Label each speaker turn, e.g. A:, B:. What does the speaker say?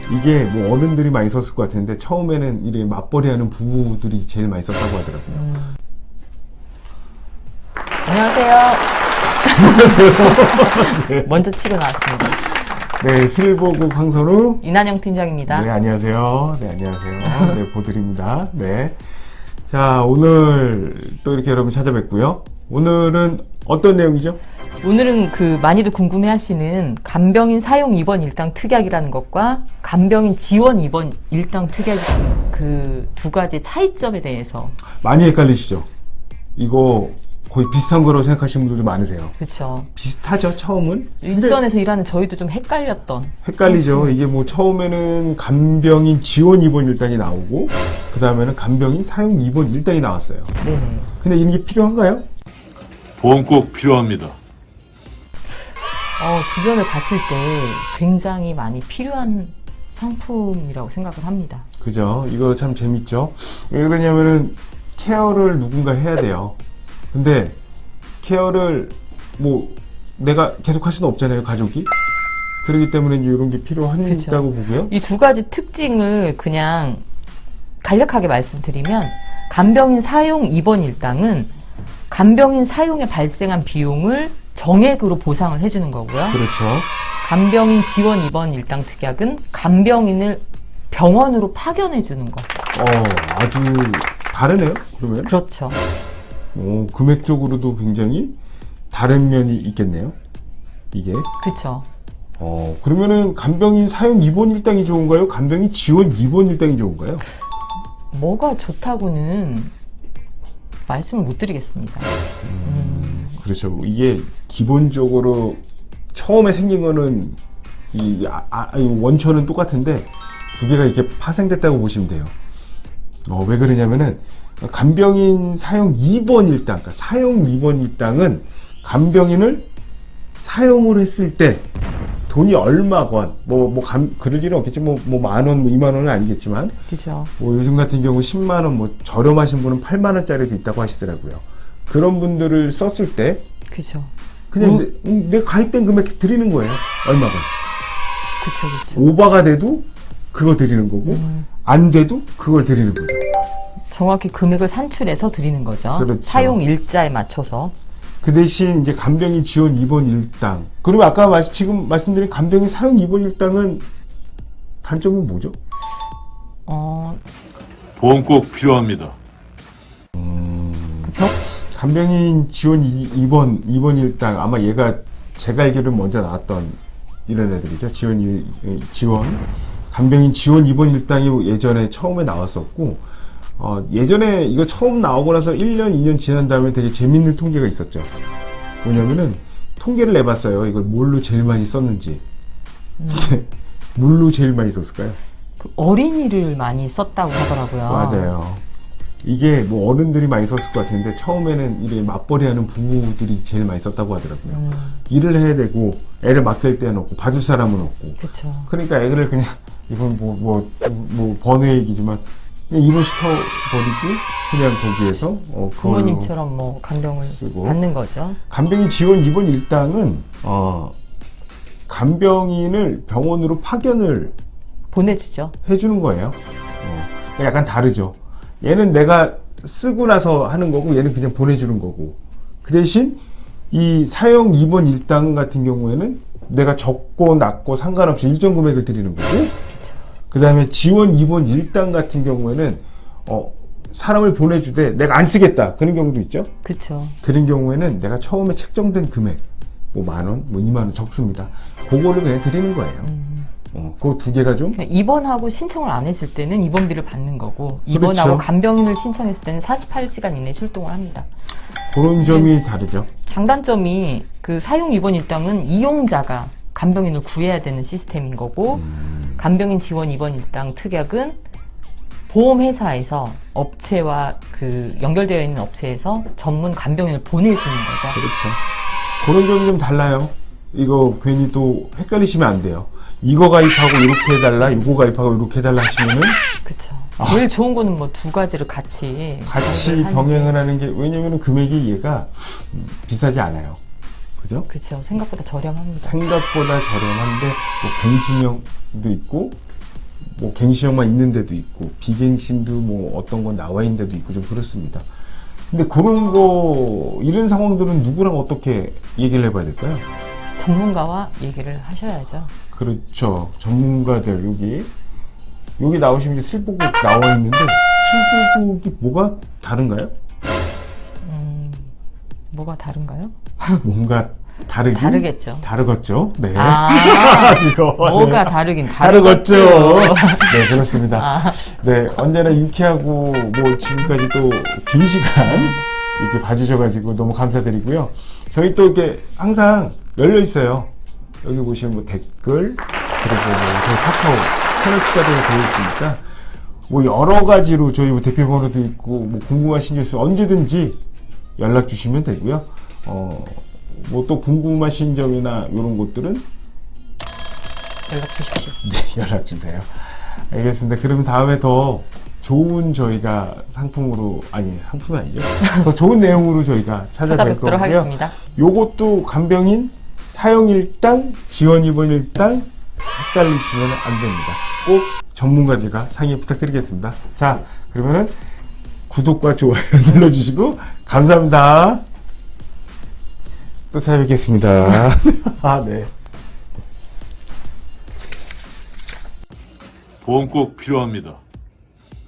A: 이게 뭐 어른들이 많이 썼을 것 같은데 처음에는 이렇게 맞벌이하는 부부들이 제일 많이 썼다고 하더라고요.
B: 안녕하세요.
A: 안녕하세요. 네.
B: 먼저 치고 나왔습니다.
A: 네, 실보국 황선우.
B: 이난영 팀장입니다.
A: 네, 안녕하세요. 네, 안녕하세요. 네, 보드립니다. 네. 자, 오늘 또 이렇게 여러분 찾아뵙고요. 오늘은 어떤 내용이죠?
B: 오늘은 많이도 궁금해하시는 간병인 사용 입원 일당 특약이라는 것과 간병인 지원 입원 일당 특약 그 두 가지 차이점에 대해서.
A: 많이 헷갈리시죠? 이거 거의 비슷한 거라고 생각하시는 분들도 많으세요.
B: 그렇죠.
A: 비슷하죠, 처음은?
B: 일선에서 일하는 저희도 좀 헷갈렸던.
A: 헷갈리죠. 이게 뭐 처음에는 간병인 지원 입원 일당이 나오고 그 다음에는 간병인 사용 입원 일당이 나왔어요.
B: 네네.
A: 근데 이런 게 필요한가요?
C: 보험 꼭 필요합니다.
B: 주변을 봤을 때 굉장히 많이 필요한 상품이라고 생각을 합니다.
A: 그죠? 이거 참 재밌죠? 왜 그러냐면은 케어를 누군가 해야 돼요. 근데 케어를 뭐 내가 계속 할 수는 없잖아요, 가족이. 그렇기 때문에 이제 이런 게 필요하다고
B: 그쵸.
A: 보고요.
B: 이 두 가지 특징을 그냥 간략하게 말씀드리면 간병인 사용 입원 일당은 간병인 사용에 발생한 비용을 정액으로 보상을 해주는 거고요.
A: 그렇죠.
B: 간병인 지원 입원 일당 특약은 간병인을 병원으로 파견해주는 거.
A: 아주 다르네요, 그러면.
B: 그렇죠.
A: 금액적으로도 굉장히 다른 면이 있겠네요, 이게.
B: 그렇죠.
A: 그러면은 간병인 사용 입원 일당이 좋은가요? 간병인 지원 입원 일당이 좋은가요?
B: 뭐가 좋다고는 말씀을 못 드리겠습니다.
A: 그렇죠. 이게 기본적으로 처음에 생긴 거는 이 원천은 똑같은데 두 개가 이렇게 파생됐다고 보시면 돼요. 왜 그러냐면은 간병인 사용 입원 일당, 그러니까 사용 입원 일당은 간병인을 사용을 했을 때 돈이 얼마건 그럴 일은 없겠지. 만 원, 2만 원은 아니겠지만.
B: 그죠.
A: 요즘 같은 경우 10만 원, 저렴하신 분은 8만 원짜리도 있다고 하시더라고요. 그런 분들을 썼을 때
B: 그죠.
A: 그냥 내 가입된 금액 드리는 거예요. 얼마건.
B: 그쵸.
A: 오버가 돼도 그거 드리는 거고 안 돼도 그걸 드리는 거죠.
B: 정확히 금액을 산출해서 드리는 거죠.
A: 그렇죠.
B: 사용 일자에 맞춰서.
A: 그 대신 이제 간병인 지원 입원 일당. 그리고 아까 지금 말씀드린 간병인 사용 입원 일당은 단점은 뭐죠?
C: 보험 꼭 필요합니다.
A: 간병인 지원 입원 일당, 아마 얘가 제가 알기로는 먼저 나왔던 이런 애들이죠. 지원. 간병인 지원 입원 일당이 예전에 처음에 나왔었고, 예전에 이거 처음 나오고 나서 1년, 2년 지난 다음에 되게 재밌는 통계가 있었죠. 뭐냐면은, 통계를 내봤어요. 이걸 뭘로 제일 많이 썼는지. 뭘로 제일 많이 썼을까요?
B: 어린이를 많이 썼다고 하더라고요.
A: 맞아요. 이게 뭐 어른들이 많이 썼을 것 같은데 처음에는 이렇게 맞벌이하는 부부들이 제일 많이 썼다고 하더라고요. 일을 해야 되고 애를 맡길 때는 없고 봐줄 사람은 없고.
B: 그렇죠.
A: 그러니까 애를 그냥 이건 번외 얘기지만 그냥 입원시켜 버리고 그냥 거기에서
B: 부모님처럼 간병을
A: 쓰고.
B: 받는 거죠.
A: 간병인 지원 입원 일당은 간병인을 병원으로 파견을
B: 보내주죠.
A: 해주는 거예요. 약간 다르죠. 얘는 내가 쓰고 나서 하는 거고 얘는 그냥 보내주는 거고. 그 대신 이 사용 입원 일당 같은 경우에는 내가 적고 낮고 상관없이 일정 금액을 드리는 거고, 그 다음에 지원 입원 일당 같은 경우에는 사람을 보내주되 내가 안 쓰겠다 그런 경우도 있죠.
B: 그렇죠.
A: 그런 경우에는 내가 처음에 책정된 금액 만 원, 2만 원 적습니다. 그거를 그냥 드리는 거예요. 그 두 개가 좀
B: 입원하고 신청을 안 했을 때는 입원비를 받는 거고, 입원하고
A: 그렇죠.
B: 간병인을 신청했을 때는 48시간 이내에 출동을 합니다.
A: 그런 점이 다르죠.
B: 장단점이 사용 입원 일당은 이용자가 간병인을 구해야 되는 시스템인 거고, 간병인 지원 입원 일당 특약은 보험회사에서 업체와 연결되어 있는 업체에서 전문 간병인을 보낼 수 있는 거죠.
A: 그렇죠. 그런 점이 좀 달라요. 이거 괜히 또 헷갈리시면 안 돼요. 이거 가입하고 이렇게 해달라, 이거 가입하고 이렇게 해달라 하시면은
B: 그렇죠. 제일 좋은 거는 두 가지를 같이
A: 병행을 하는 게, 왜냐면은 금액이 얘가 비싸지 않아요. 그죠?
B: 그렇죠. 생각보다 저렴합니다.
A: 생각보다 저렴한데 갱신형도 있고 뭐 갱신형만 있는 데도 있고 비갱신도 뭐 어떤 건 나와 있는 데도 있고 좀 그렇습니다. 근데 그런 거 이런 상황들은 누구랑 어떻게 얘기를 해봐야 될까요?
B: 전문가와 얘기를 하셔야죠.
A: 그렇죠. 전문가들 여기 나오시면 이제 슬보국 나와 있는데 슬보국이 뭐가 다른가요?
B: 뭐가 다른가요?
A: 뭔가
B: 다르겠죠.
A: 다르겠죠. 네.
B: 아,
A: 이거
B: 뭐가
A: 네.
B: 다르긴
A: 다르겠죠.
B: 다르겠죠.
A: 네, 그렇습니다. 네, 언제나 유쾌하고 뭐 지금까지 또 긴 시간 이렇게 봐주셔가지고 너무 감사드리고요. 저희 또 이렇게 항상 열려 있어요. 여기 보시면 뭐 댓글 그리고 뭐 저희 카카오 채널 추가되어 되어 있으니까 뭐 여러 가지로 저희 뭐 대표 번호도 있고 뭐 궁금하신 게 있으면 언제든지 연락 주시면 되고요. 뭐 또 궁금하신 점이나 이런 것들은
B: 연락 주십시오.
A: 네, 연락 주세요. 알겠습니다. 그러면 다음에 더 좋은 저희가 상품으로 상품이 아니죠. 더 좋은 내용으로 저희가 찾아뵐
B: 찾아뵙도록
A: 거고요.
B: 하겠습니다.
A: 요것도 간병인 사용 일당 지원 입원 일당 헷갈리시면 안 됩니다. 꼭 전문가들과 상의 부탁드리겠습니다. 자, 그러면은 구독과 좋아요 눌러주시고 감사합니다. 또 찾아뵙겠습니다. 아, 네.
C: 보험 꼭 필요합니다.